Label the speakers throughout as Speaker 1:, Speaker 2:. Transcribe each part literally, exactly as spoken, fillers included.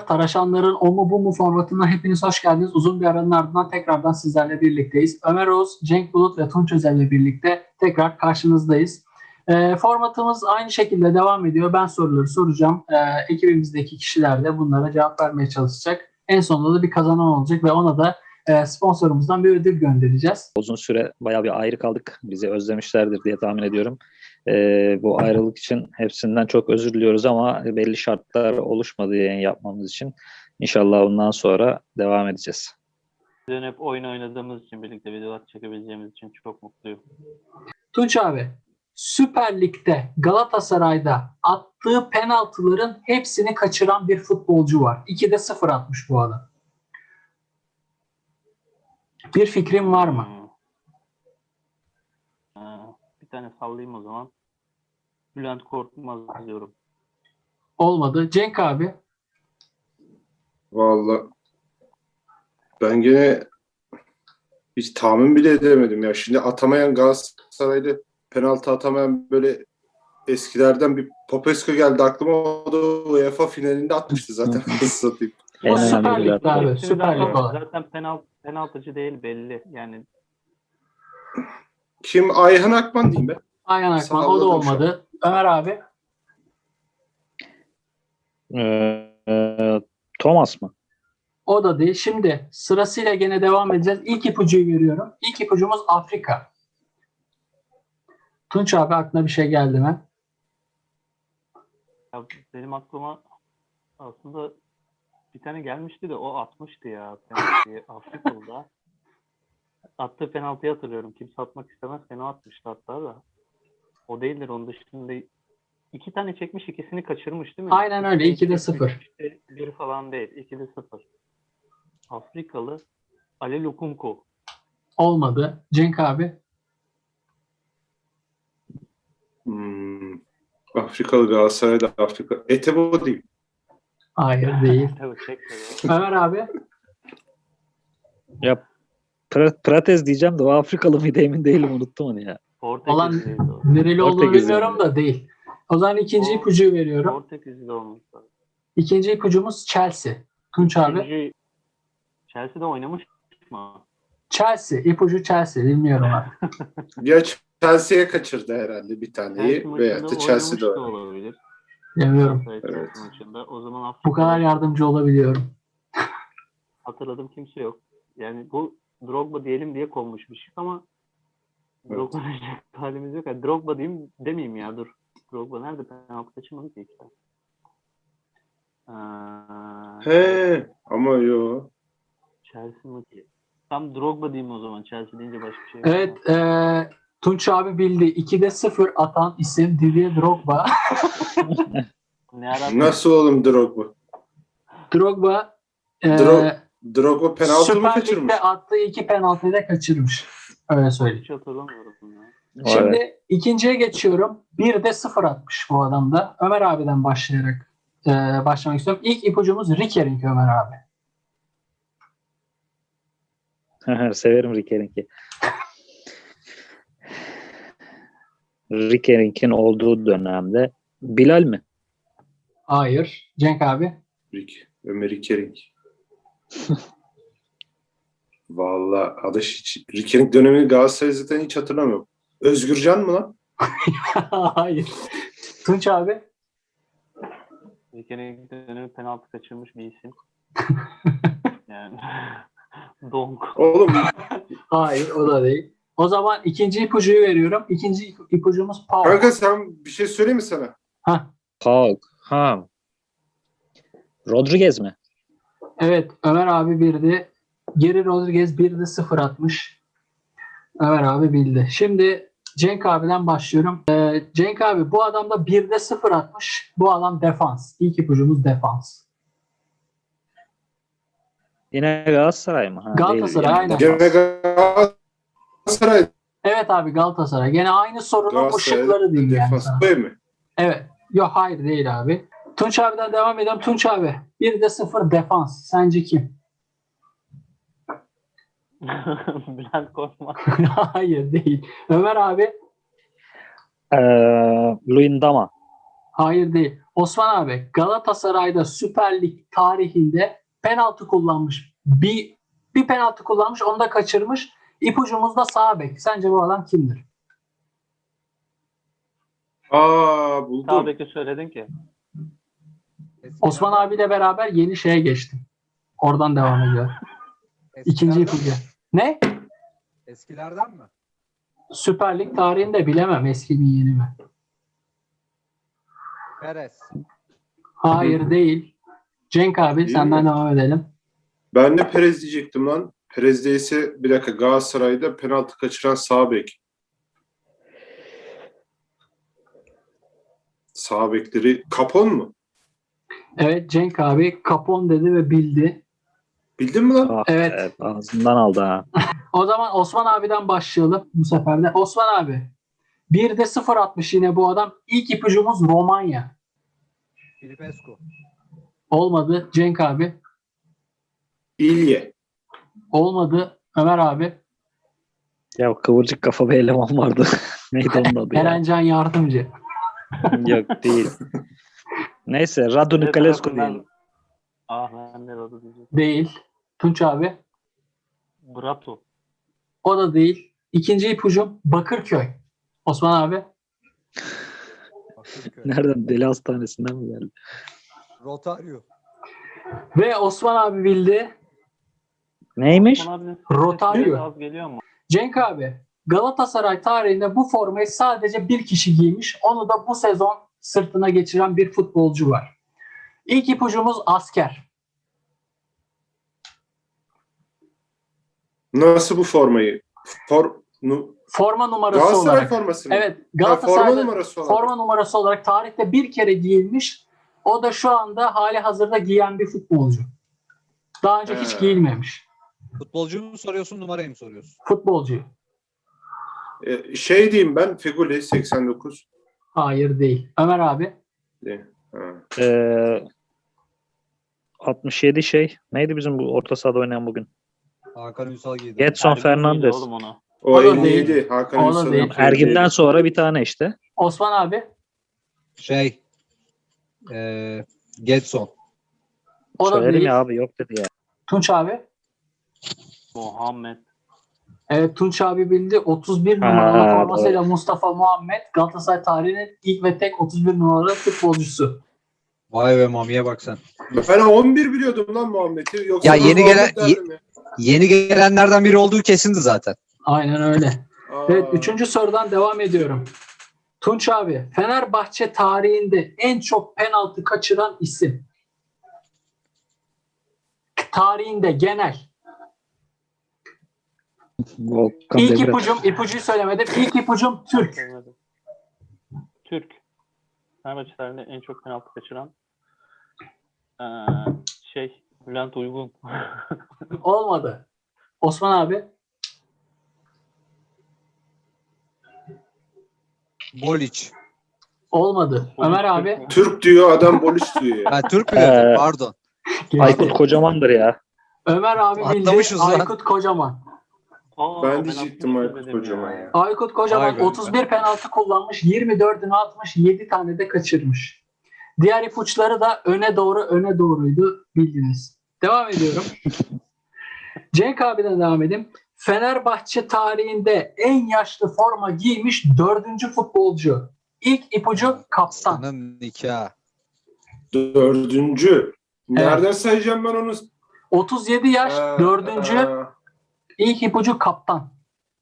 Speaker 1: Taraşanların o mu bu mu formatına hepiniz hoş geldiniz. Uzun bir aranın ardından tekrardan sizlerle birlikteyiz. Ömer Oğuz, Cenk Bulut ve Tunç Özel'le birlikte tekrar karşınızdayız. E, formatımız aynı şekilde devam ediyor. Ben soruları soracağım. E, ekibimizdeki kişiler de bunlara cevap vermeye çalışacak. En sonunda da bir kazanan olacak ve ona da e, sponsorumuzdan bir ödül göndereceğiz.
Speaker 2: Uzun süre bayağı bir ayrı kaldık. Bizi özlemişlerdir diye tahmin ediyorum. Ee, bu ayrılık için hepsinden çok özür diliyoruz ama belli şartlar oluşmadı yayın yapmamız için. İnşallah ondan sonra devam edeceğiz.
Speaker 3: Bizden hep oyun oynadığımız için, birlikte videolar çekebileceğimiz için çok mutluyum.
Speaker 1: Tunç abi, Süper Lig'de Galatasaray'da attığı penaltıların hepsini kaçıran bir futbolcu var. ikide sıfır atmış bu adam. Bir fikrin var mı?
Speaker 3: Hmm. Ee, bir tane sallayayım o zaman. Bülent Korkmaz diyorum.
Speaker 1: Olmadı. Cenk abi.
Speaker 4: Vallahi ben gene hiç tahmin bile edemedim ya. Şimdi atamayan Galatasaray'da penaltı atamayan böyle eskilerden bir Popescu geldi aklıma. O da UEFA finalinde atmıştı zaten. Nasıl satayım.
Speaker 1: O Süper Lig'de abi.
Speaker 3: Hepsini
Speaker 1: Süper Lig
Speaker 3: zaten,
Speaker 1: olan.
Speaker 3: zaten penaltı, penaltıcı değil belli. Yani
Speaker 4: Kim? Ayhan Akman diyeyim ben.
Speaker 1: Ayhan Akman. O da
Speaker 4: Salladım
Speaker 1: olmadı. Ömer abi.
Speaker 2: Ee, e, Thomas mı?
Speaker 1: O da değil. Şimdi sırasıyla gene devam edeceğiz. İlk ipucuyu veriyorum. İlk ipucumuz Afrika. Tunç abi aklına bir şey geldi mi?
Speaker 3: ya benim aklıma aslında bir tane gelmişti de o atmıştı ya penaltıyı Afrikalı'da. Attığı penaltıyı hatırlıyorum. Kimse atmak istemez. Fena atmıştı hatta da. O değildir. Onun dışında iki tane çekmiş, ikisini kaçırmış değil mi?
Speaker 1: Aynen öyle. ikide sıfır.
Speaker 3: Bir falan değil. ikide sıfır. Afrikalı Ali Lukunku.
Speaker 1: Olmadı. Cenk abi.
Speaker 4: Hmm. Afrikalı Galatasaray'da Afrika. Etebo diyeyim.
Speaker 1: Hayır değil.
Speaker 3: Tabii çekmedi.
Speaker 1: Ömer abi.
Speaker 2: Ya Pra- Prates diyeceğim de o Afrikalı mıydı emin değilim, unuttum onu ya.
Speaker 1: Olan
Speaker 3: Portekizliydi o.
Speaker 1: nereli olduğunu
Speaker 2: Portekizli
Speaker 1: bilmiyorum
Speaker 2: mi?
Speaker 1: da değil. O zaman ikinci
Speaker 3: O-
Speaker 1: ipucuyu veriyorum.
Speaker 3: Portekizli olmuş.
Speaker 1: İkinci ipucumuz Chelsea. Tunç abi.
Speaker 3: İkinci Chelsea'de oynamış mı?
Speaker 1: Chelsea. İpucu Chelsea. Bilmiyorum abi.
Speaker 4: Ya Chelsea'ye kaçırdı herhalde bir taneyi
Speaker 3: Chelsea
Speaker 4: veya
Speaker 3: maçında
Speaker 4: da
Speaker 3: oynamış
Speaker 4: Chelsea'de
Speaker 3: da
Speaker 4: oynadı.
Speaker 3: olabilir.
Speaker 1: Bilmiyorum.
Speaker 3: Galatasaray
Speaker 4: Evet.
Speaker 3: Chelsea maçında. O zaman
Speaker 1: Bu
Speaker 3: Afrika'da
Speaker 1: kadar yardımcı olabiliyorum.
Speaker 3: hatırladığım kimse yok. Yani bu Drogba diyelim diye konmuş bir şey ama
Speaker 4: Evet.
Speaker 3: Drogba diyecek halimiz yok. Yani Drogba diyeyim demeyeyim ya dur. Drogba nerede penaltı kaçırmadı ki işte. Ee,
Speaker 4: He ama yo.
Speaker 3: Chelsea maçı. Tam Drogba diyeyim o zaman. Chelsea deyince başka bir şey yok.
Speaker 1: Evet. eee Tunç abi bildi. ikide sıfır atan isim Didier Drogba.
Speaker 3: Ne ara
Speaker 4: Nasıl oğlum Drogba?
Speaker 1: Drogba eee
Speaker 4: Dro- Drogba penaltı mı
Speaker 1: Süper
Speaker 4: kaçırmış?
Speaker 1: Lig'de attığı iki penaltıyı da kaçırmış. Öyle söyleyeyim.
Speaker 3: hiç hatırlamıyorum ya.
Speaker 1: Şimdi
Speaker 2: Evet.
Speaker 1: ikinciye geçiyorum. Bir de sıfır atmış bu adam da. Ömer abiden başlayarak eee, başlamak istiyorum. İlk ipucumuz Rikerink Ömer abi.
Speaker 2: Severim Rickering'i. Rickering'in olduğu dönemde Bilal mi?
Speaker 1: Hayır. Cenk abi.
Speaker 4: Rick, Ömer Rikering. Vallahi adaş hiç Rikering dönemini Galatasaray zaten hiç hatırlamıyorum. Özgürcan mı lan?
Speaker 1: Hayır. Tunç abi.
Speaker 3: Bir kere dönemi penaltı kaçırmış bir isim. Yani Donk.
Speaker 4: Oğlum
Speaker 1: Hayır, o da değil. O zaman ikinci ipucuyu veriyorum. İkinci ipucumuz Paul.
Speaker 4: kanka sen bir şey söyleyeyim mi sana?
Speaker 1: Heh,
Speaker 2: Hulk. Ha. Rodriguez mi?
Speaker 1: evet, Ömer abi bildi. Geri Rodriguez bir de sıfır atmış. Ömer abi bildi. Şimdi Cenk abiden başlıyorum. Ee, Cenk abi bu adam da bir de sıfır atmış. Bu adam defans. İlk ipucumuz defans.
Speaker 2: Yine Galatasaray mı? Ha,
Speaker 1: Galatasaray,
Speaker 2: değil.
Speaker 1: aynen.
Speaker 4: Gene Galatasaray.
Speaker 1: Evet abi Galatasaray. Gene aynı sorunun
Speaker 4: Galatasaray
Speaker 1: ışıkları diyeyim yani
Speaker 4: defans.
Speaker 1: sana.
Speaker 4: Değil mi?
Speaker 1: Evet. Yok hayır değil abi. Tunç abiden devam edelim. Tunç abi bir de sıfır defans. Sence kim?
Speaker 3: Bülent Korkmaz.
Speaker 1: Hayır değil. Ömer abi.
Speaker 2: Ee, Luyendama.
Speaker 1: Hayır değil. Osman abi Galatasaray'da Süper Lig tarihinde penaltı kullanmış. Bir, bir penaltı kullanmış, onu da kaçırmış. İpucumuz da sağ bek. Sence bu adam kimdir?
Speaker 4: Aa buldum.
Speaker 3: Sağ beki söyledin ki.
Speaker 1: Osman abiyle beraber yeni şeye geçtim. Oradan devam ediyor. İkinci
Speaker 5: Eskilerden,
Speaker 1: ipucu. Ne?
Speaker 5: eskilerden mi?
Speaker 1: Süper Lig tarihinde bilemem, eski mi yeni mi?
Speaker 5: Perez.
Speaker 1: Hayır değil. Cenk abi
Speaker 4: Değil
Speaker 1: senden
Speaker 4: mi?
Speaker 1: devam edelim.
Speaker 4: Ben de Perez diyecektim lan. Perez değilse bir dakika, Galatasaray'da penaltı kaçıran sağ bek. Sağ bekleri Capon mu?
Speaker 1: Evet, Cenk abi Capon dedi ve bildi.
Speaker 4: Bildin mi lan?
Speaker 2: Ah,
Speaker 1: Evet.
Speaker 2: evet, ağzından aldı ha.
Speaker 1: O zaman Osman abiden başlayalım bu sefer de. Osman abi. bir de sıfır atmış yine bu adam. İlk ipucumuz Romanya.
Speaker 5: Filipescu.
Speaker 1: Olmadı. Cenk abi.
Speaker 4: İlye.
Speaker 1: Olmadı. Ömer abi.
Speaker 2: Ya kıvırcık kafa bir eleman vardı. Neydi onun adı ya?
Speaker 1: Erencan Yardımcı.
Speaker 2: Yok değil. Neyse Radu Niculescu diyelim.
Speaker 3: Ah ben de adı diyeceğim.
Speaker 1: Değil. Tunç abi.
Speaker 3: Bratu.
Speaker 1: O da değil. İkinci ipucum Bakırköy. Osman abi.
Speaker 5: Bakırköy.
Speaker 2: Nereden? Deli hastanesinden mi geldi?
Speaker 5: Rotario.
Speaker 1: Ve Osman abi bildi.
Speaker 2: Neymiş?
Speaker 3: Osman abinin
Speaker 1: Rotario.
Speaker 3: sesi az geliyor mu?
Speaker 1: Cenk abi. Galatasaray tarihinde bu formayı sadece bir kişi giymiş. Onu da bu sezon sırtına geçiren bir futbolcu var. İlk ipucumuz asker.
Speaker 4: Nasıl bu formayı? For, nu,
Speaker 1: Forma numarası
Speaker 4: Galatasaray
Speaker 1: olarak.
Speaker 4: forması mı?
Speaker 1: Evet,
Speaker 4: Ha,
Speaker 1: Galatasaray'da
Speaker 4: forma numarası olarak.
Speaker 1: forma numarası olarak tarihte bir kere giyilmiş. O da şu anda hali hazırda giyen bir futbolcu. Daha önce hiç
Speaker 4: He.
Speaker 1: giyilmemiş.
Speaker 5: Futbolcuyu mu soruyorsun, numarayı mı soruyorsun?
Speaker 1: Futbolcu.
Speaker 4: Ee, şey diyeyim ben, Feguli seksen dokuz.
Speaker 1: Hayır değil. Ömer abi.
Speaker 4: Değil. Ha.
Speaker 2: Ee, altmış yedi şey. Neydi bizim bu orta sahada oynayan bugün?
Speaker 5: Hakan Ünsal giydi.
Speaker 2: Getson
Speaker 3: Ergün müydü
Speaker 2: Fernandes.
Speaker 3: Oğlum onu.
Speaker 4: O,
Speaker 1: O da
Speaker 4: elli yedi.
Speaker 1: değil.
Speaker 4: Hakan
Speaker 1: O da
Speaker 4: Ünsal'ın
Speaker 1: değil.
Speaker 4: elli yedi.
Speaker 2: Ergin'den sonra bir tane işte.
Speaker 1: Osman abi.
Speaker 5: Şey. Eee Getson.
Speaker 1: O da
Speaker 2: Söyledim
Speaker 1: değil.
Speaker 2: ya abi, yok dedi ya.
Speaker 1: Tunç abi.
Speaker 3: Muhammed.
Speaker 1: Evet, Tunç abi bildi. otuz bir
Speaker 2: Ha,
Speaker 1: numaralı formasıyla Mustafa Muhammed Galatasaray tarihinin ilk ve tek otuz bir numaralı futbolcusu.
Speaker 5: Vay be Mami'ye bak sen.
Speaker 4: Ben on bir biliyordum lan Muhammed'i. Yoksa
Speaker 5: Ya
Speaker 4: ben
Speaker 5: yeni
Speaker 4: Muhammed
Speaker 5: gelen-
Speaker 4: derdim ya.
Speaker 5: Yeni gelenlerden biri olduğu kesindi zaten.
Speaker 1: Aynen öyle.
Speaker 4: Aa,
Speaker 1: Evet, üçüncü sorudan devam ediyorum. Tunç abi, Fenerbahçe tarihinde en çok penaltı kaçıran isim. Tarihinde genel.
Speaker 2: Volkan
Speaker 1: İlk
Speaker 2: Demirel.
Speaker 1: ipucum, ipucuyu söylemedim. İlk ipucum Türk.
Speaker 3: Söylemedim. Türk. Fenerbahçe tarihinde en çok penaltı kaçıran ee, şey Bülent Uygun.
Speaker 1: Olmadı. Osman abi.
Speaker 5: Boliç.
Speaker 1: Olmadı. Ömer abi.
Speaker 4: Türk diyor adam, Boliç diyor ya.
Speaker 5: Ben Türk mü
Speaker 2: Ee,
Speaker 5: dedim? Pardon.
Speaker 2: Aykut Kocaman'dır ya.
Speaker 1: Ömer abi bildi.
Speaker 5: Atlamışız lan.
Speaker 1: Aykut Kocaman.
Speaker 3: Aa,
Speaker 4: Ben diyecektim
Speaker 3: atmıştım
Speaker 4: Aykut
Speaker 3: dedim
Speaker 4: Kocaman
Speaker 3: ya.
Speaker 4: ya.
Speaker 1: Aykut Kocaman
Speaker 5: Vay be.
Speaker 1: otuz bir penaltı kullanmış. yirmi dördünü atmış. yedi tane de kaçırmış. Diğer ipuçları da öne doğru öne doğruydu. Bildiniz. Devam ediyorum. Cenk abiden devam edeyim. Fenerbahçe tarihinde en yaşlı forma giymiş dördüncü futbolcu. İlk ipucu kaptan.
Speaker 5: Aslanın nikahı.
Speaker 4: Dördüncü. Nereden sayacağım ben onu?
Speaker 1: otuz yedi yaş
Speaker 4: Aa,
Speaker 1: dördüncü.
Speaker 4: aa,
Speaker 1: İlk ipucu kaptan.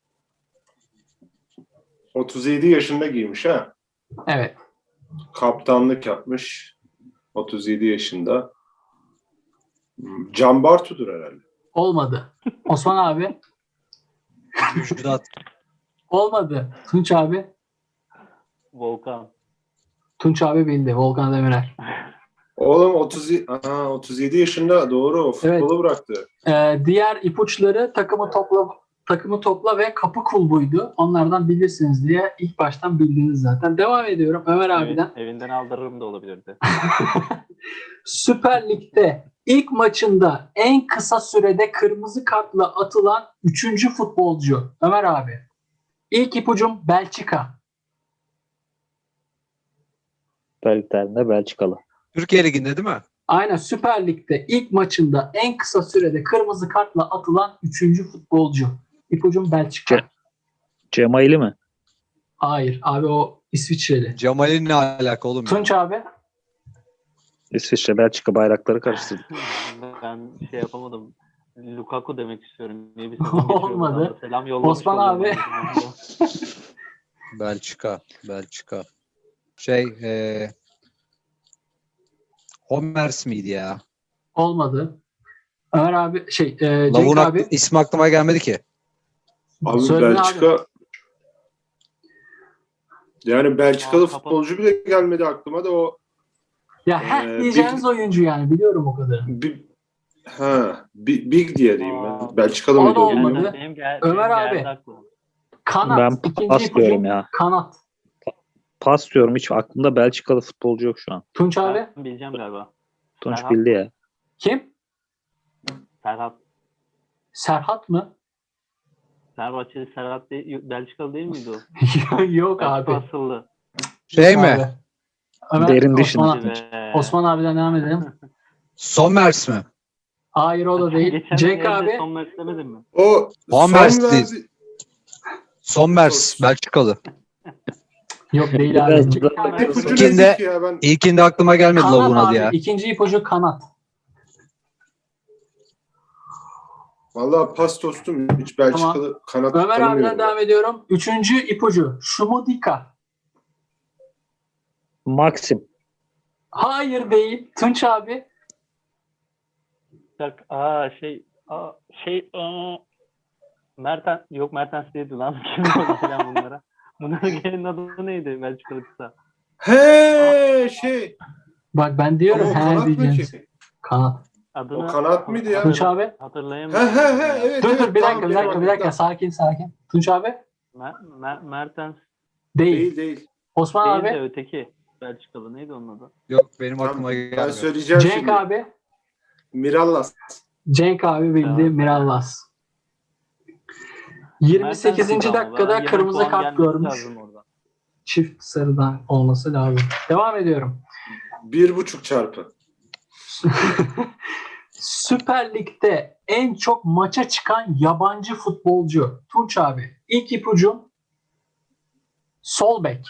Speaker 4: otuz yedi yaşında giymiş ha.
Speaker 1: Evet.
Speaker 4: Kaptanlık yapmış. otuz yedi yaşında. Hmm, Can Bartu'dur herhalde.
Speaker 1: Olmadı. Osman abi.
Speaker 5: Müjdat.
Speaker 1: Olmadı. Tunç abi.
Speaker 3: Volkan.
Speaker 1: Tunç abi bildi. Volkan Demirel.
Speaker 4: Oğlum otuz yedi, aa, otuz yedi yaşında, doğru, o futbolu
Speaker 1: Evet.
Speaker 4: bıraktı.
Speaker 1: Ee, diğer ipuçları takımı topla takımı topla ve kapı kulbuydu. Onlardan bilirsiniz diye ilk baştan bildiniz zaten. Devam ediyorum Ömer abiden.
Speaker 3: Ev- evinden aldırırım da olabilirdi.
Speaker 1: Süper Lig'de ilk maçında en kısa sürede kırmızı kartla atılan üçüncü futbolcu Ömer abi. İlk ipucum Belçika.
Speaker 2: Süper Lig tarihinde Belçikalı.
Speaker 5: Türkiye Ligi'nde değil mi?
Speaker 1: Aynen, Süper Lig'de ilk maçında en kısa sürede kırmızı kartla atılan üçüncü futbolcu. İpucum Belçika.
Speaker 2: Ce- Cemaili mi?
Speaker 1: Hayır abi, o İsviçreli.
Speaker 5: Cemal'in ne alaka oğlum ya?
Speaker 1: Tunç abi.
Speaker 2: İsviçre, Belçika bayrakları karıştırdık.
Speaker 3: Ben şey yapamadım. Lukaku demek istiyorum. Niye bir sezon geçiyor
Speaker 1: Olmadı.
Speaker 3: buradan da selam yollamış
Speaker 1: Osman
Speaker 3: oluyorum
Speaker 1: abi.
Speaker 3: aynı zamanda.
Speaker 5: Belçika. Belçika. Şey e, Homers miydi ya?
Speaker 1: Olmadı. Ömer abi şey e, Cenk
Speaker 5: Lavun
Speaker 1: abi.
Speaker 5: aklı, ismi aklıma gelmedi ki.
Speaker 4: Abi
Speaker 1: Söyle
Speaker 4: Belçika yani Belçikalı
Speaker 3: Aa, kapat-
Speaker 4: futbolcu bile gelmedi aklıma da o
Speaker 1: Ya her
Speaker 4: Ee,
Speaker 1: diyeceğiniz
Speaker 4: bir-
Speaker 1: oyuncu yani, biliyorum o kadar.
Speaker 4: bir ha Big, Big diye diyeyim ben.
Speaker 3: Aa.
Speaker 4: Belçikalı
Speaker 1: O
Speaker 4: mıydı
Speaker 1: da
Speaker 4: o
Speaker 3: Yani
Speaker 1: olmadı.
Speaker 4: bilmiyorum.
Speaker 3: benim gel-
Speaker 1: Ömer
Speaker 3: benim
Speaker 1: abi.
Speaker 3: geldi aklıma.
Speaker 1: Kanat.
Speaker 2: Ben
Speaker 1: İkinci
Speaker 2: pas
Speaker 1: ipucu
Speaker 2: diyorum ya.
Speaker 1: kanat.
Speaker 2: Pas diyorum. Hiç aklımda Belçikalı futbolcu yok şu an.
Speaker 1: Tunç abi.
Speaker 3: Ben bileceğim galiba.
Speaker 2: Tunç
Speaker 3: Serhat.
Speaker 2: bildi ya.
Speaker 1: Kim?
Speaker 3: Serhat.
Speaker 1: Serhat mı?
Speaker 3: Fenerbahçeli Serhat değil, Belçikalı değil miydi o?
Speaker 1: Yok
Speaker 3: Belçika
Speaker 1: abi.
Speaker 3: asıllı.
Speaker 5: Şey
Speaker 1: Abi.
Speaker 5: mi?
Speaker 1: Ömer,
Speaker 2: Derin
Speaker 1: Osman,
Speaker 2: düşün.
Speaker 3: Be.
Speaker 1: Osman abiden devam edelim.
Speaker 5: Sommers mi?
Speaker 1: Hayır, o da değil.
Speaker 3: Geçen
Speaker 1: Cenk
Speaker 3: evde
Speaker 1: abi.
Speaker 3: son maç demedin mi?
Speaker 4: O
Speaker 5: Van
Speaker 4: son
Speaker 5: Persie.
Speaker 4: verdi.
Speaker 5: Sommers. Belçikalı.
Speaker 1: Yok değil
Speaker 2: Biraz
Speaker 1: abi. Cenk
Speaker 2: da-
Speaker 1: abi.
Speaker 4: İpucu
Speaker 5: İkinde-
Speaker 4: nedir ki ya ben?
Speaker 5: İlkinde aklıma gelmedi
Speaker 1: Kanat
Speaker 5: Lavun adı
Speaker 1: abi.
Speaker 5: ya.
Speaker 1: İkinci ipucu kanat.
Speaker 4: Vallahi pas tostum. Hiç Belçikalı kanat
Speaker 1: Ömer abiden
Speaker 4: tanımıyorum.
Speaker 1: devam ediyorum. Üçüncü ipucu. Şumudika.
Speaker 2: Maxim.
Speaker 1: Hayır değil. Tunç abi.
Speaker 3: Bak, aa şey, aa şey, aa, Mertens, yok Mertens değildi lan. Kim oldu falan bunlara? Bunların gelin adı neydi Belçikalı kısa?
Speaker 4: He şey.
Speaker 1: Bak ben diyorum.
Speaker 4: Ama o
Speaker 1: He
Speaker 4: kanat mı
Speaker 1: diyeceğiz.
Speaker 4: ki?
Speaker 1: Kanat.
Speaker 3: Adını
Speaker 4: O kanat mıydı ya?
Speaker 1: Tunç abi.
Speaker 4: He
Speaker 3: Hatırlayamıyorum.
Speaker 4: he he evet.
Speaker 1: Dur
Speaker 4: evet,
Speaker 1: dur bir
Speaker 4: tamam,
Speaker 1: dakika bir
Speaker 4: benim
Speaker 1: dakika bir dakika.
Speaker 4: aklımda.
Speaker 1: Sakin sakin. Tunç abi.
Speaker 3: Mer, Mer, Mertens
Speaker 1: Değil.
Speaker 4: Değil değil.
Speaker 1: Osman
Speaker 3: değil de
Speaker 1: abi.
Speaker 3: öteki Belçikalı neydi onun adı?
Speaker 5: Yok benim
Speaker 4: Tamam,
Speaker 5: aklıma
Speaker 4: ben
Speaker 5: gelmiyor.
Speaker 4: söyleyeceğim
Speaker 1: Cenk
Speaker 4: şimdi.
Speaker 1: abi.
Speaker 4: Mirallas.
Speaker 1: Cenk abi bildi.
Speaker 3: Tamam.
Speaker 1: Mirallas. yirmi sekizinci
Speaker 3: Mertens'ti ama.
Speaker 1: dakikada
Speaker 3: Bana yirmi
Speaker 1: kırmızı
Speaker 3: puan
Speaker 1: kart
Speaker 3: gelmesi
Speaker 1: görmüş.
Speaker 3: lazım orada.
Speaker 1: Çift sarıdan olması lazım. Devam ediyorum.
Speaker 4: Bir buçuk çarpı.
Speaker 1: Süper Lig'de en çok maça çıkan yabancı futbolcu. Tunç abi. İlk ipucum sol bek.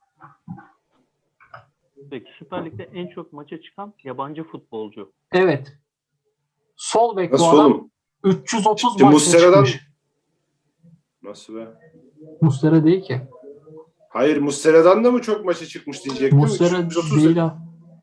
Speaker 3: Peki Süper Lig'de en çok maça çıkan yabancı futbolcu.
Speaker 1: Evet. Sol bek
Speaker 4: Nasıl
Speaker 1: bu adam.
Speaker 4: oğlum?
Speaker 1: üç yüz otuz
Speaker 4: Şimdi
Speaker 1: maça
Speaker 4: Muslera'dan-
Speaker 1: çıkmış.
Speaker 4: Nasıl be?
Speaker 1: Muslera değil ki.
Speaker 4: Hayır Muslera'dan da mı çok maça çıkmış diyecektim.
Speaker 1: Muslera
Speaker 4: üç yüz otuz
Speaker 1: değil ha.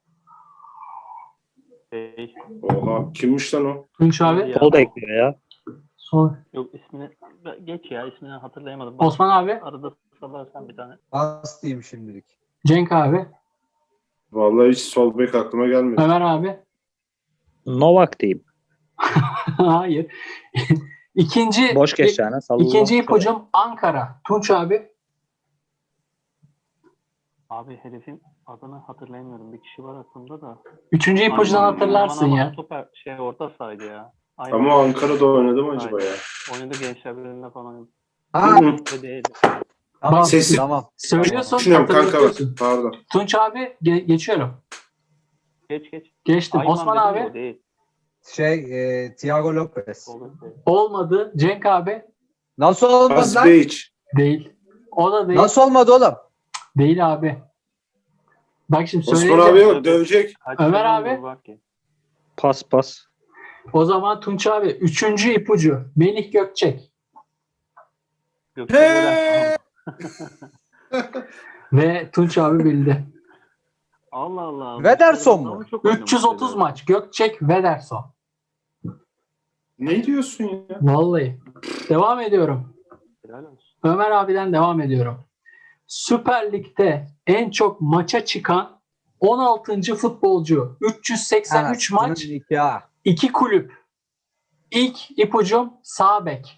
Speaker 3: Şey,
Speaker 4: Oha kimmiş lan o?
Speaker 1: Tunç abi.
Speaker 3: Ya.
Speaker 2: Sol bekliyor ya.
Speaker 1: Sol.
Speaker 3: yok ismini geç ya ismini hatırlayamadım. Bak,
Speaker 1: Osman abi.
Speaker 3: arada salarsan bir tane.
Speaker 5: Pas diyeyim şimdilik.
Speaker 1: Cenk abi.
Speaker 4: Vallahi hiç sol bek aklıma gelmedi.
Speaker 1: Ömer abi.
Speaker 2: Novak diyeyim.
Speaker 1: Hayır. İkinci
Speaker 2: Boş geç yani. Sallamak
Speaker 1: İkinci
Speaker 2: üzere.
Speaker 1: ipucum Ankara. Tunç abi.
Speaker 3: Abi herifin adını hatırlayamıyorum. Bir kişi var aklımda da.
Speaker 1: Üçüncü ipucundan
Speaker 3: Ayman-
Speaker 1: hatırlarsın
Speaker 3: Ayman
Speaker 1: ya.
Speaker 3: Ayman Toper şey orta sahaydı ya. Ayman.
Speaker 4: Ama Ankara'da oynadı mı acaba ya?
Speaker 3: Oynadı Gençler Birliği'nde falan.
Speaker 5: Ha,
Speaker 4: Hı.
Speaker 3: Öyle değil.
Speaker 5: tamam,
Speaker 4: Sesi-
Speaker 5: tamam.
Speaker 1: Söylüyorsun,
Speaker 4: Düşünüyorum kanka bak.
Speaker 1: hatırlatıyorsun.
Speaker 4: Pardon.
Speaker 1: Tunç abi ge- geçiyorum.
Speaker 3: Geç geç.
Speaker 1: Geçtim.
Speaker 3: Ayman
Speaker 1: Osman
Speaker 3: dedim
Speaker 1: abi
Speaker 3: de o değil.
Speaker 5: Şey, e, Thiago Lopez.
Speaker 3: Olur değil.
Speaker 1: olmadı. Cenk abi
Speaker 5: Nasıl olmadı lan?
Speaker 4: Asbeyic.
Speaker 1: değil. O da değil.
Speaker 5: Nasıl olmadı oğlum?
Speaker 1: Değil abi. Bak şimdi
Speaker 4: Osman
Speaker 1: söyleyeceğim.
Speaker 4: abi yok dövecek.
Speaker 3: Kaç
Speaker 1: Ömer
Speaker 3: sene
Speaker 1: abi?
Speaker 3: oldu bak ki.
Speaker 2: Pas pas.
Speaker 1: O zaman Tunç abi üçüncü ipucu Melih Gökçek
Speaker 3: Gökçe Gören.
Speaker 1: ve Tunç abi bildi.
Speaker 3: Allah Allah.
Speaker 5: Vederson mu?
Speaker 3: Ama çok oynamış
Speaker 1: üç yüz otuz
Speaker 3: dedi.
Speaker 1: maç Gökçek Vederson.
Speaker 4: Ne diyorsun ya?
Speaker 1: Vallahi. Devam ediyorum.
Speaker 3: Helal olsun.
Speaker 1: Ömer abiden devam ediyorum. Süper Lig'de en çok maça çıkan on altıncı futbolcu. üç yüz seksen üç
Speaker 5: Ha,
Speaker 1: maç,
Speaker 5: bunun nikahı.
Speaker 1: iki kulüp. İlk ipucum sağ bek.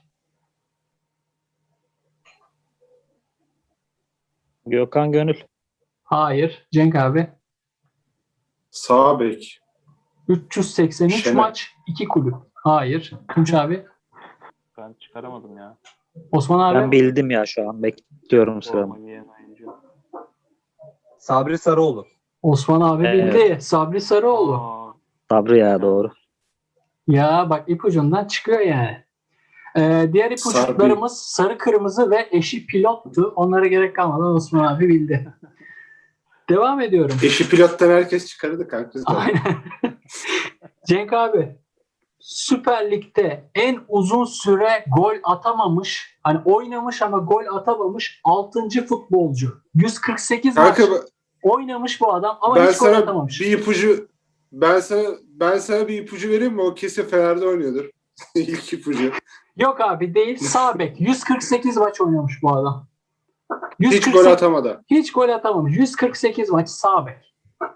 Speaker 2: Gökhan Gönül.
Speaker 1: Hayır. Cenk abi.
Speaker 4: Sağ bek.
Speaker 1: üç yüz seksen üç
Speaker 4: Şener.
Speaker 1: maç, iki kulüp. Hayır. Tunç abi.
Speaker 3: Ben çıkaramadım ya.
Speaker 1: Osman abi.
Speaker 2: Ben bildim ya şu an. Bekliyorum
Speaker 3: Forma
Speaker 2: sıramı.
Speaker 3: giyen oyuncu.
Speaker 5: Sabri Sarıoğlu.
Speaker 1: Osman abi
Speaker 2: Evet.
Speaker 1: bildi. Sabri Sarıoğlu.
Speaker 3: Aa,
Speaker 2: Sabri ya, doğru.
Speaker 1: Ya bak ipucundan çıkıyor yani. Ee, diğer ipuçlarımız sarı kırmızı ve eşi pilottu. Onlara gerek kalmadan Osman abi bildi. Devam ediyorum.
Speaker 4: Eşi pilottan herkes çıkardı kanka.
Speaker 1: Aynen. Cenk abi, Süper Lig'de en uzun süre gol atamamış, hani oynamış ama gol atamamış altıncı futbolcu. yüz kırk sekiz maç
Speaker 4: Kanka
Speaker 1: oynamış bu adam ama
Speaker 4: ben
Speaker 1: hiç gol
Speaker 4: sana
Speaker 1: atamamış.
Speaker 4: bir ipucu ben sana ben sana bir ipucu vereyim mi? O kesin Fener'de oynuyordur. İlk ipucu.
Speaker 1: Yok abi değil, sağ bek. yüz kırk sekiz maç oynamış bu adam.
Speaker 4: Hiç
Speaker 1: yüz kırk
Speaker 4: gol
Speaker 1: sekiz
Speaker 4: atamadı.
Speaker 1: Hiç gol atamamış. yüz kırk sekiz maç sağ bek.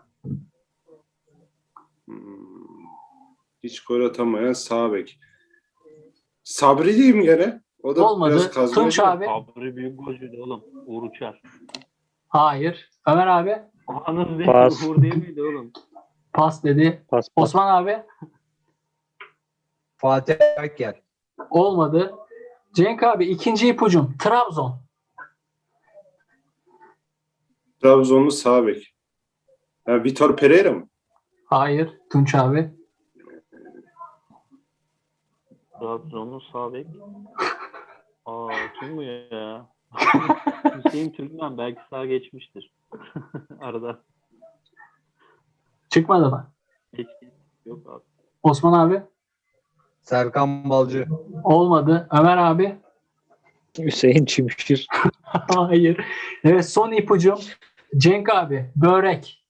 Speaker 4: Hmm. Hiç gol atamayan sağ bek. Sabri değil mi gene? O da
Speaker 1: Olmadı.
Speaker 4: biraz kazmacı.
Speaker 1: Tunç abi.
Speaker 3: Sabri büyük golcüydü oğlum. Uğur Uçar.
Speaker 1: Hayır. Ömer abi
Speaker 3: Anıl değil,
Speaker 2: Pas.
Speaker 3: Uğur değil miydi oğlum?
Speaker 1: pas dedi.
Speaker 2: Pas pas.
Speaker 1: Osman abi
Speaker 5: Fatih Akyel.
Speaker 1: olmadı. Cenk abi ikinci ipucum. Trabzon.
Speaker 4: Trabzonlu sağ bek. Ha, Vitor Pereira mı?
Speaker 1: Hayır. Tunç abi.
Speaker 3: Trabzonlu sağ bek. Aa, kim bu ya? Hüseyin Türkmen belki sağ geçmiştir. Arada.
Speaker 1: Çıkmadı mı?
Speaker 3: Geçti. Yok abi.
Speaker 1: Osman abi
Speaker 5: Serkan Balcı.
Speaker 1: olmadı. Ömer abi
Speaker 2: Hüseyin Çimşir.
Speaker 1: hayır. Evet son ipucum. Cenk abi börek.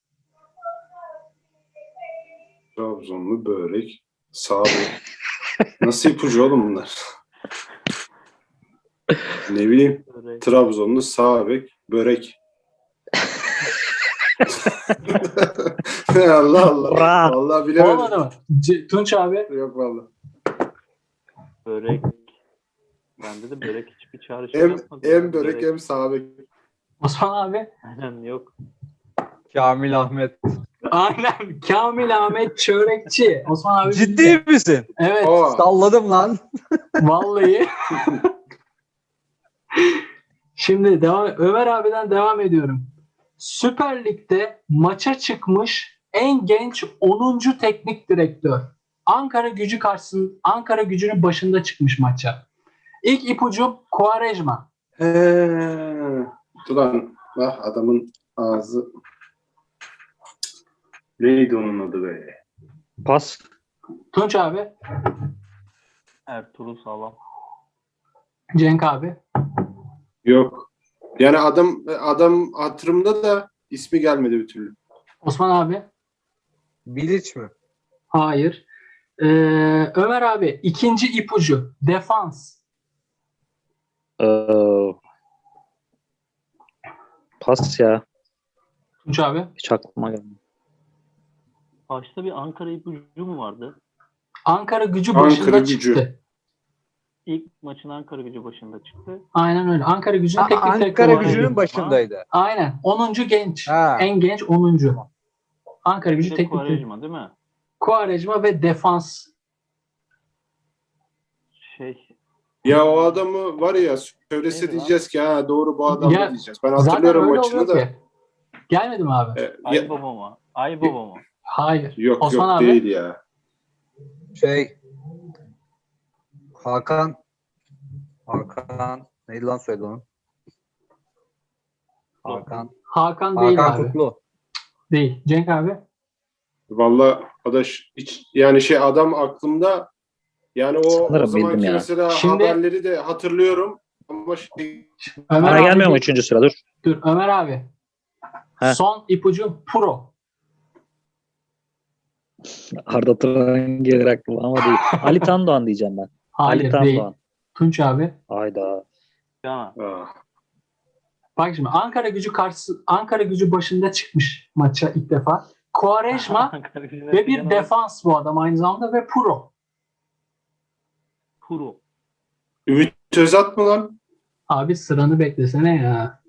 Speaker 4: Trabzonlu börek. Sağ bek. Nasıl ipucu oğlum bunlar? Ne bileyim.
Speaker 3: Böyle
Speaker 4: Trabzonlu sağ bek. Börek. Allah Allah.
Speaker 2: Bra.
Speaker 4: Vallahi bilemedim.
Speaker 1: Olmadı mı? C- Tunç abi
Speaker 4: Yok vallahi.
Speaker 3: börek. Bende de börek hiçbir çağrışım
Speaker 4: Hem,
Speaker 3: yapmadı.
Speaker 4: hem börek hem sağ bek.
Speaker 1: Osman abi
Speaker 3: Aynen yok.
Speaker 5: Kamil Ahmet.
Speaker 1: aynen Kamil Ahmet Çörekçi. Osman abi
Speaker 5: Ciddi
Speaker 1: bildi.
Speaker 5: misin?
Speaker 1: Evet.
Speaker 4: Aa,
Speaker 5: Salladım lan.
Speaker 1: Vallahi. Şimdi devam Ömer abiden devam ediyorum. Süper Lig'de maça çıkmış en genç onuncu teknik direktör. Ankara Gücü karşısında Ankara Gücü'nün başında çıkmış maça. İlk ipucum Quaresma.
Speaker 4: Ee, ulan ah adamın ağzı. Neydi onun adı be?
Speaker 2: Pas.
Speaker 1: Tunç abi,
Speaker 3: Ertuğrul Sağlam.
Speaker 1: Cenk abi.
Speaker 4: Yok. Yani adam adam hatırımda da ismi gelmedi bir türlü.
Speaker 1: Osman abi.
Speaker 5: Bilic mi?
Speaker 1: Hayır. Ee, Ömer abi ikinci ipucu defans.
Speaker 2: Ee, pas ya.
Speaker 1: Tunç abi.
Speaker 2: Hiç aklıma gelmedi.
Speaker 3: Başta bir Ankara ipucu mu vardı?
Speaker 1: Ankara Gücü
Speaker 4: Ankara
Speaker 1: başında
Speaker 4: Gücü.
Speaker 1: çıktı.
Speaker 3: İlk maçın Ankara Gücü başında çıktı.
Speaker 1: Aynen öyle. Ankara Gücü'nün
Speaker 5: Ha,
Speaker 1: teknik direktörü.
Speaker 5: Ankara
Speaker 1: olarak
Speaker 5: Gücü'nün
Speaker 1: girdi.
Speaker 5: başındaydı.
Speaker 1: Aynen. onuncu genç.
Speaker 5: Ha.
Speaker 1: En genç onuncu. Ankara
Speaker 3: Bir
Speaker 1: Gücü
Speaker 3: de
Speaker 1: teknik direktörü.
Speaker 3: Quaresma değil mi?
Speaker 1: Quaresma ve defans.
Speaker 3: Şey,
Speaker 4: Ya o adamı var ya söylese
Speaker 3: Neydi
Speaker 4: diyeceğiz ki ha doğru bu adam
Speaker 1: Ya,
Speaker 4: da diyeceğiz. Ben
Speaker 1: Zaten
Speaker 4: hatırlıyorum
Speaker 1: öyle
Speaker 4: maçını
Speaker 1: oluyor
Speaker 4: da.
Speaker 1: ki. Gelmedi mi abi?
Speaker 4: E, ya-
Speaker 3: Ay Baba mı? Ay Baba mı?
Speaker 1: Hayır.
Speaker 4: yok
Speaker 1: Osman
Speaker 4: yok
Speaker 1: abi.
Speaker 4: değil ya.
Speaker 5: Şey Hakan Hakan neydi lan söyledi onu? Hakan
Speaker 1: Hakan değil
Speaker 5: Hakan
Speaker 1: abi.
Speaker 5: Kutlu.
Speaker 1: Değil. Cenk abi.
Speaker 4: Vallahi adaş hiç yani şey adam aklımda yani o,
Speaker 2: Sanırım
Speaker 4: o zamanki
Speaker 2: bildim ya.
Speaker 4: mesela
Speaker 1: Şimdi-
Speaker 4: haberleri de hatırlıyorum ama şey,
Speaker 1: Ömer
Speaker 2: Bana
Speaker 1: abi
Speaker 2: gelmiyor mu
Speaker 1: bir-
Speaker 2: üçüncü sıra? Dur.
Speaker 1: Dur Ömer abi.
Speaker 2: He.
Speaker 1: Son ipucu Pro.
Speaker 2: Arda Turan gelir aklıma ama değil. Ali Tandoğan diyeceğim ben.
Speaker 1: Hayır
Speaker 2: Ali
Speaker 1: değil.
Speaker 2: Tandoğan.
Speaker 1: Tunç abi.
Speaker 2: Hayda.
Speaker 3: Cana.
Speaker 4: ah,
Speaker 1: Bak şimdi Ankara Gücü karşı Ankara Gücü başında çıkmış maça ilk defa. Quaresma
Speaker 3: Ankara Gücü'ne
Speaker 1: ve bir
Speaker 3: çıkan
Speaker 1: defans bu adam aynı zamanda ve pro.
Speaker 3: Kuro.
Speaker 4: Ümit Özat mı lan?
Speaker 1: Abi sıranı beklesene ya.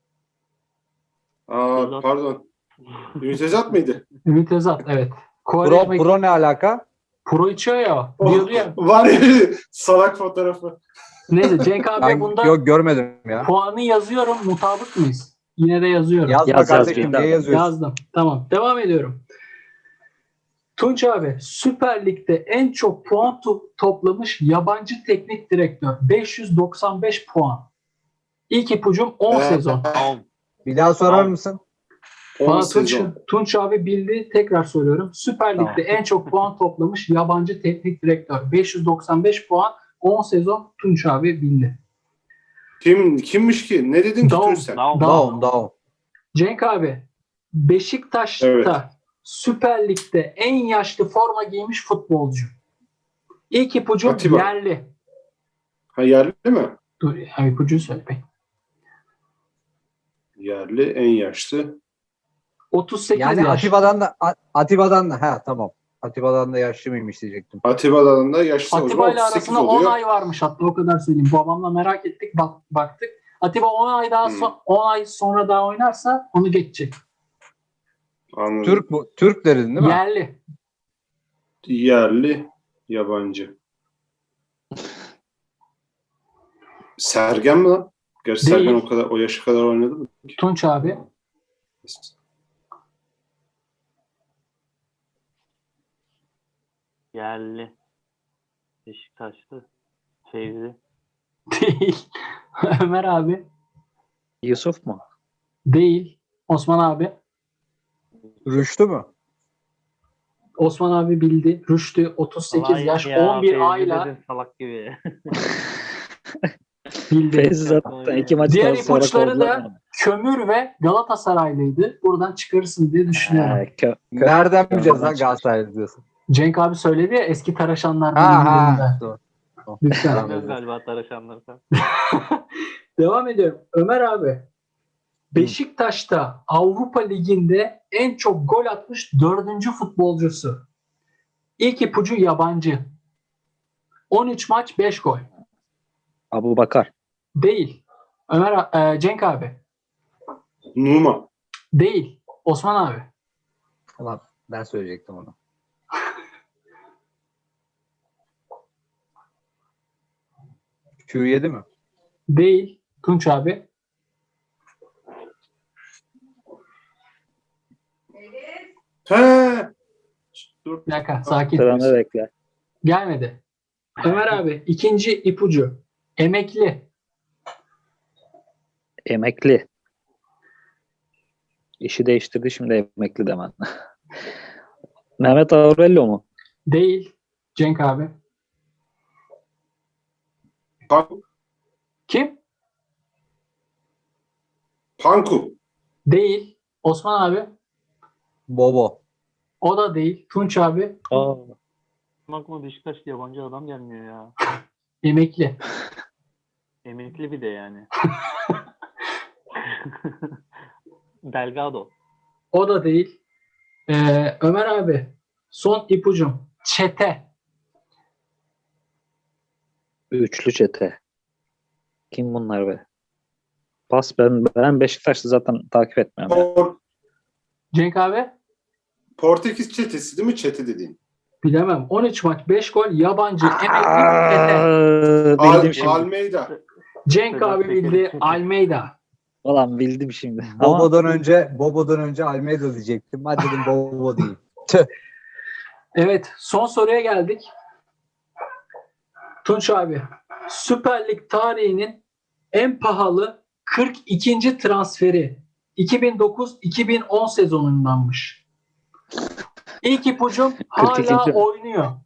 Speaker 4: Aa,
Speaker 3: Özat.
Speaker 4: pardon. Ümit Özat mıydı?
Speaker 1: Ümit Özat evet.
Speaker 5: Pro,
Speaker 1: Quaresma pro,
Speaker 5: pro ne alaka?
Speaker 1: içiyor ya.
Speaker 4: Oh,
Speaker 1: Diyordu ya.
Speaker 4: var ya salak fotoğrafı.
Speaker 1: Neyse Cenk abi
Speaker 5: Ben
Speaker 1: bunda
Speaker 5: yok görmedim ya.
Speaker 1: puanı yazıyorum. Mutabık mıyız? Yine de yazıyorum.
Speaker 5: Yazma
Speaker 2: Yaz, yaz,
Speaker 5: kardeşim
Speaker 2: yeter.
Speaker 5: niye yazıyorsun?
Speaker 1: Yazdım. Tamam. Devam ediyorum. Tunç abi, Süper Lig'de en çok puan to- toplamış yabancı teknik direktör. beş yüz doksan beş puan. İlk ipucum on
Speaker 4: Ee,
Speaker 1: sezon.
Speaker 3: Tamam.
Speaker 5: Bir daha sorar
Speaker 3: Tamam.
Speaker 5: mısın?
Speaker 4: on
Speaker 1: Bana Tunç,
Speaker 4: sezon.
Speaker 1: Tunç abi bildi. Tekrar soruyorum. Süper
Speaker 5: Tamam.
Speaker 1: Lig'de en çok puan toplamış yabancı teknik direktör. beş yüz doksan beş puan. on sezon Tunç abi bildi.
Speaker 4: Kim kimmiş ki? Ne dedin ki
Speaker 1: Daum,
Speaker 4: Tunç sen?
Speaker 3: Daum.
Speaker 5: Daum Daum.
Speaker 1: Cenk abi, Beşiktaş'ta
Speaker 4: Evet.
Speaker 1: Süper Lig'de en yaşlı forma giymiş futbolcu. İlk ipucum
Speaker 4: Atiba.
Speaker 1: yerli.
Speaker 4: Ha yerli mi?
Speaker 1: Dur, ya, ipucuyu söyle be.
Speaker 4: Yerli en yaşlı.
Speaker 1: otuz sekiz
Speaker 5: Yani
Speaker 1: yaş.
Speaker 5: Atiba'dan da A- Atiba'dan da ha tamam. Atiba'dan da yaşlı mıymış diyecektim.
Speaker 4: Atiba'dan da yaşlı o zaman
Speaker 1: Atiba ile
Speaker 4: otuz sekiz
Speaker 1: arasında on
Speaker 4: oluyor.
Speaker 1: ay varmış, hatta o kadar söyleyeyim. Babamla merak ettik, bak, baktık. Atiba on ay daha
Speaker 4: Hmm.
Speaker 1: so- on ay sonra daha oynarsa onu geçecek.
Speaker 4: Anladım.
Speaker 5: Türk bu. Türk dedin değil mi?
Speaker 1: Yerli.
Speaker 4: Yerli, yabancı. Sergen mi lan? Gerçi
Speaker 1: Değil.
Speaker 4: Sergen o kadar o yaşa kadar oynadı mı?
Speaker 1: Tunç abi.
Speaker 3: Yerli. Beşiktaşlı. Fevzi.
Speaker 1: Değil. Ömer abi.
Speaker 2: Yusuf mu?
Speaker 1: Değil. Osman abi.
Speaker 5: Rüştü mü?
Speaker 1: Osman abi bildi. Rüştü otuz sekiz
Speaker 3: Vay
Speaker 1: yaş
Speaker 3: ya,
Speaker 1: on bir
Speaker 3: Fevzi
Speaker 1: ayla
Speaker 3: dedin salak gibi.
Speaker 1: bildi.
Speaker 2: Feyzi zaten iki maçtan
Speaker 1: Diğer
Speaker 2: sonra
Speaker 1: ipuçları
Speaker 2: kovdular
Speaker 1: da
Speaker 2: mı?
Speaker 1: Kömür ve Galatasaraylıydı. Buradan çıkarırsın diye düşünüyorum.
Speaker 2: Ee, kö-
Speaker 5: Nereden bileceğiz lan
Speaker 2: çıkar.
Speaker 5: Galatasaraylı diyorsun?
Speaker 1: Cenk abi söyledi ya, eski taraşanlar
Speaker 5: Ha
Speaker 1: birbirlerinde.
Speaker 5: ha. Doğru.
Speaker 1: Lütfen.
Speaker 5: Tamam.
Speaker 3: Bilmiyorum galiba taraşanlar falan.
Speaker 1: Devam ediyorum. Ömer abi. Beşiktaş'ta Avrupa Ligi'nde en çok gol atmış dördüncü futbolcusu. İlk ipucu yabancı. on üç maç beş gol.
Speaker 2: Abu Bakar.
Speaker 1: Değil. Ömer e, Cenk abi.
Speaker 4: Numa.
Speaker 1: Değil. Osman abi.
Speaker 5: Ulan ben söyleyecektim onu. Q yedi mi?
Speaker 1: Değil. Tunç abi.
Speaker 4: He. Dur.
Speaker 1: Bir dakika, sakin.
Speaker 2: Sıranı bekle.
Speaker 1: Gelmedi. Ömer abi, ikinci ipucu. Emekli.
Speaker 2: Emekli. İşi değiştirdi, şimdi emekli demen. Mehmet Aurelio mu?
Speaker 1: Değil. Cenk abi.
Speaker 4: Pan-
Speaker 1: Kim?
Speaker 4: Panku.
Speaker 1: Değil. Osman abi.
Speaker 5: Bobo.
Speaker 1: O da değil. Tunç abi.
Speaker 2: Aa,
Speaker 3: Aklıma Beşiktaşlı yabancı adam gelmiyor ya.
Speaker 1: Emekli.
Speaker 3: Emekli bir de yani. Delgado.
Speaker 1: O da değil. Ee, Ömer abi. Son ipucum. Çete.
Speaker 2: üçlü çete. Kim bunlar be? Pas, ben ben Beşiktaş'ı zaten takip etmiyorum. ya.
Speaker 4: Por-
Speaker 1: Cenk abi.
Speaker 4: Portekiz çetesi değil mi? Çete dediğin.
Speaker 1: Bilemem. on üç maç beş gol. Yabancı. Emekli. Çete.
Speaker 2: Aa,
Speaker 4: Al,
Speaker 2: bildim şimdi.
Speaker 4: Almeida.
Speaker 1: Cenk abi
Speaker 3: Sedat
Speaker 1: bildi.
Speaker 3: Peker.
Speaker 1: Almeida.
Speaker 2: Ulan bildim şimdi. Ama
Speaker 5: Bobo'dan önce Bobo'dan önce Almeida diyecektim. Hadi dedim Bobo değil.
Speaker 1: Evet. Son soruya geldik. Tunç abi. Süper Lig tarihinin en pahalı kırk ikinci transferi iki bin dokuz iki bin on sezonundanmış. İlk ipucum hala
Speaker 2: kırk ikinci.
Speaker 1: oynuyor.
Speaker 3: Hala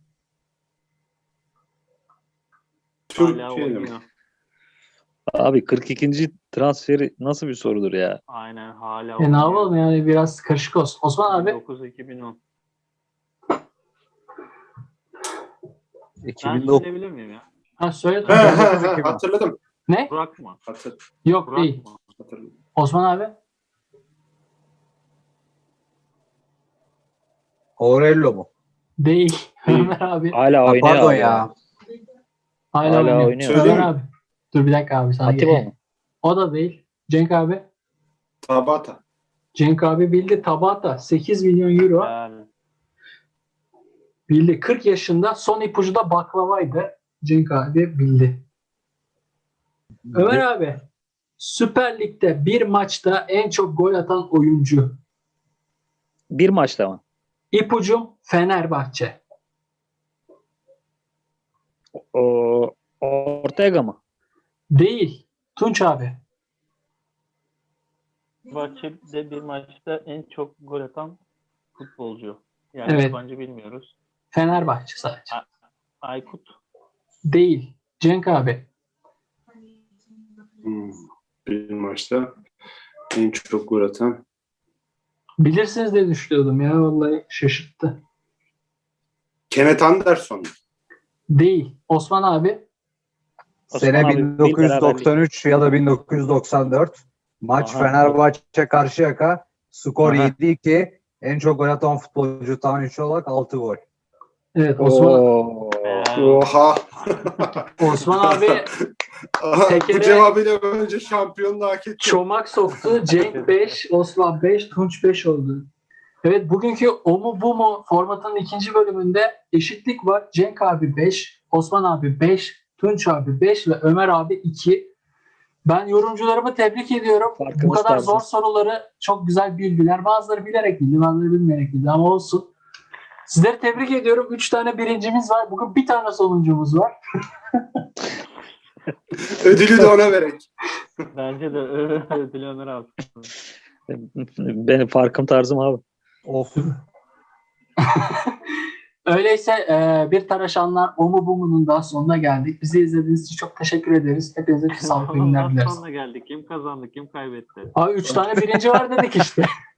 Speaker 4: Türkiye'de mi?
Speaker 3: oynuyor.
Speaker 2: abi kırk ikinci transferi nasıl bir sorudur ya?
Speaker 3: Aynen hala
Speaker 1: E ne yapalım yani, biraz karışık olsun. Osman abi.
Speaker 3: dokuz iki bin on. Ben
Speaker 5: iki bin dokuz.
Speaker 3: söyleyebilir miyim ya?
Speaker 1: Ha, söyle
Speaker 4: He
Speaker 1: Tunç
Speaker 4: he
Speaker 1: abi.
Speaker 4: he hatırladım.
Speaker 1: Ne?
Speaker 3: Burak mı?
Speaker 4: Hatır,
Speaker 1: Yok
Speaker 3: Burak
Speaker 1: değil.
Speaker 3: mı?
Speaker 4: hatırladım.
Speaker 1: Osman abi.
Speaker 5: Aurelio mu?
Speaker 1: Değil.
Speaker 4: Değil.
Speaker 1: Ömer abi.
Speaker 2: Hala
Speaker 5: Ha,
Speaker 2: oynuyor.
Speaker 5: pardon
Speaker 2: abi.
Speaker 5: ya.
Speaker 1: Hala,
Speaker 2: Hala
Speaker 1: oynuyor.
Speaker 2: oynuyor.
Speaker 1: Ömer
Speaker 4: Söyleyeyim
Speaker 1: abi. Dur bir dakika abi. Sana
Speaker 2: Atiba
Speaker 1: gel-
Speaker 2: mı?
Speaker 1: O da değil. Cenk abi.
Speaker 4: Tabata.
Speaker 1: Cenk abi bildi. Tabata. sekiz milyon euro.
Speaker 3: Yani
Speaker 1: Bildi. kırk yaşında. Son ipucu da baklavaydı. Cenk abi bildi. Ömer abi. Süper Lig'de bir maçta en çok gol atan oyuncu.
Speaker 2: Bir maçta mı?
Speaker 1: İpucum Fenerbahçe.
Speaker 2: O, Ortega mı?
Speaker 1: Değil. Tunç abi.
Speaker 3: Fenerbahçe'de bir maçta en çok gol atan futbolcu. Yani
Speaker 1: Evet.
Speaker 3: yabancı bilmiyoruz.
Speaker 1: Fenerbahçe sadece.
Speaker 3: Aykut.
Speaker 1: Değil. Cenk abi.
Speaker 4: Hmm. Bir maçta en çok gol atan.
Speaker 1: Bilirsiniz diye düşünüyordum ya. Vallahi şaşırttı.
Speaker 4: Kenneth Anderson.
Speaker 1: Değil. Osman abi.
Speaker 2: Osman
Speaker 5: Sene
Speaker 2: abi,
Speaker 5: bin dokuz yüz doksan
Speaker 2: bir
Speaker 5: üç ya da bin dokuz yüz doksan dört. Maç
Speaker 2: Aha.
Speaker 5: Fenerbahçe Karşıyaka. Skor
Speaker 2: Aha.
Speaker 5: yedi iki. En çok gol atan futbolcu tahminci olarak altı gol.
Speaker 1: Evet Osman,
Speaker 2: Oo.
Speaker 4: Oha.
Speaker 1: Osman abi
Speaker 4: Aha,
Speaker 1: Tekere-
Speaker 4: bu cevabıyla önce şampiyonluğu hak etti.
Speaker 1: çomak soktu. Cenk beş, Osman beş, Tunç beş oldu. Evet bugünkü o mu bu mu formatının ikinci bölümünde eşitlik var. Cenk abi beş, Osman abi beş, Tunç abi beş ve Ömer abi iki. Ben yorumcularımı tebrik ediyorum.
Speaker 2: Farkımız
Speaker 1: Bu kadar
Speaker 2: tarzı.
Speaker 1: zor soruları çok güzel bildiler. Bazıları bilerek bildi, bazıları bilmeyerek bildi ama olsun. Sizleri tebrik ediyorum. Üç tane birincimiz var. Bugün bir tane sonuncumuz var.
Speaker 4: Ödülü de ona verek.
Speaker 3: Bence de ödül Ömer abi.
Speaker 2: Benim farkım tarzım abi.
Speaker 5: Of.
Speaker 1: Öyleyse e, bir Taraşanlar o mu bu mu'nun daha sonuna geldik. Bizi izlediğiniz için çok teşekkür ederiz. Hepinize sağlıklı günler
Speaker 3: Ondan
Speaker 1: dileriz.
Speaker 3: sonra geldik. Kim kazandı, kim kaybetti?
Speaker 1: Abi üç tane birinci var dedik işte.